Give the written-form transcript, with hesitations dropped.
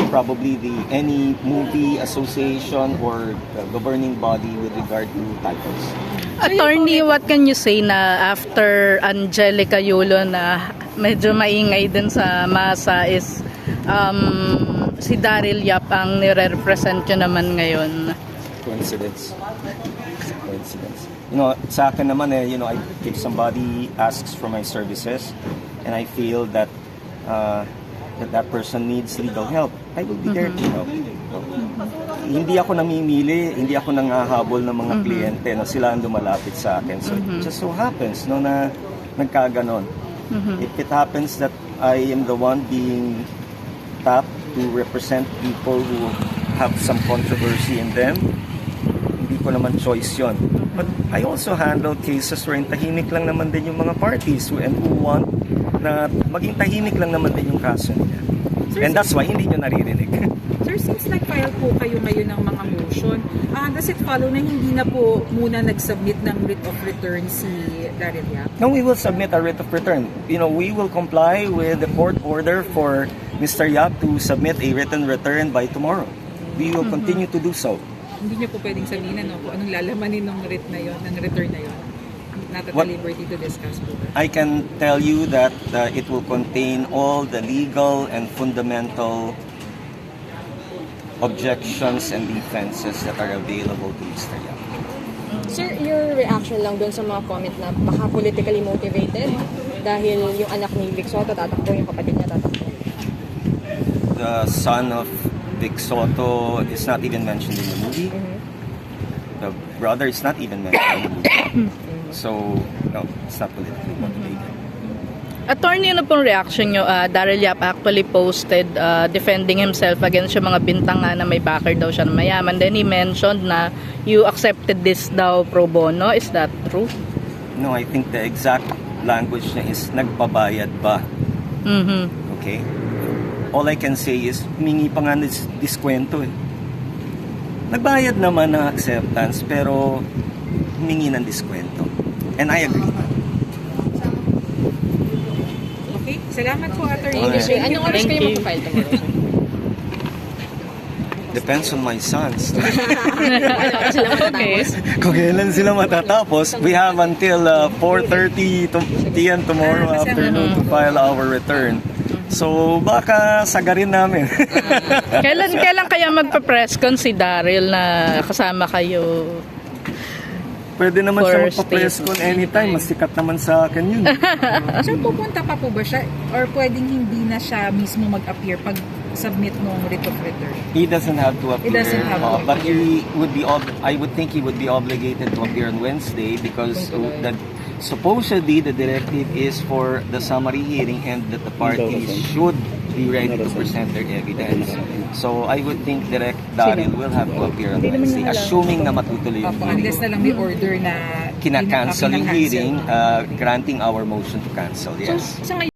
probably any movie association or governing body with regard to titles. Attorney, what can you say na after Angelica Yulo na medyo maingay din sa masa is si Daryl Yap ang nire-represent nyo naman ngayon? Coincidence. You know, sa akin naman if somebody asks for my services and I feel that that person needs legal help, I will be there to help. Hindi ako namimili, hindi ako nangahabol ng mga kliyente na sila ang lumalapit sa akin. So it just so happens na nagkaganon. If it happens that I am the one being tapped to represent people who have some controversy in them, hindi ko naman choice yon. But I also handle cases wherein tahimik lang naman din yung mga parties who want na maging tahimik lang naman din yung kaso nila. Sir, And that's why hindi nyo naririnig. Sir, since nag-file po kayo ngayon ng mga motion, does it follow na hindi na po muna nag-submit ng writ of return si Daryl Yap? No, we will submit a writ of return. You know, we will comply with the court order for Mr. Yap to submit a written return by tomorrow. We will continue to do so. Hindi niyo po pwedeng sabihin kung anong lalabanin ng writ na yon, ng return na yon. Not at liberty to discuss po. I can tell you that it will contain all the legal and fundamental objections and defenses that are available to Mr. Yap. Sir, your reaction lang doon sa mga comment na baka politically motivated dahil yung anak ni Vic Soto tatakbo, yung kapatid niya tatakbo? The son of Vic Soto is not even mentioned in the movie. The brother is not even mentioned in the movie. So, no, it's not politically motivated. Attorney, ano pong reaction nyo? Daryl Yap actually posted defending himself against yung mga bintang na may backer daw siya na mayaman. Then he mentioned na you accepted this daw pro bono. Is that true? No, I think the exact language niya is nagbabayad ba? Okay? All I can say is humingi pa nga ng diskwento eh. Nagbayad naman ng acceptance pero humingi ng diskwento. And I agree. Okay, salamat po, Attorney. Okay. Anong oras kayo mag-file tomorrow, sir? Depends on my sons. Okay. Kung kailan sila matatapos, we have until 4:30 p.m. tomorrow afternoon to file our return. So baka sagarin namin. Kailan kaya magpa-press con si Daryl na kasama kayo? Pwede naman siya For magpa-press con anytime. Mas sikat naman sa akin yun. Sir, pupunta pa po ba siya? Or pwedeng hindi na siya mismo mag-appear pag submit ng writ of return? He doesn't have to appear. He doesn't have to But he would be I would think he would be obligated to appear on Wednesday because supposedly the directive is for the summary hearing and that the parties should be ready to present their evidence. So I would think Direct Daryl will have to appear on Wednesday, assuming na matutuloy yung hearing. Unless na lang may order na Kina-cancel yung kinakancel. hearing, granting our motion to cancel, yes. So, sa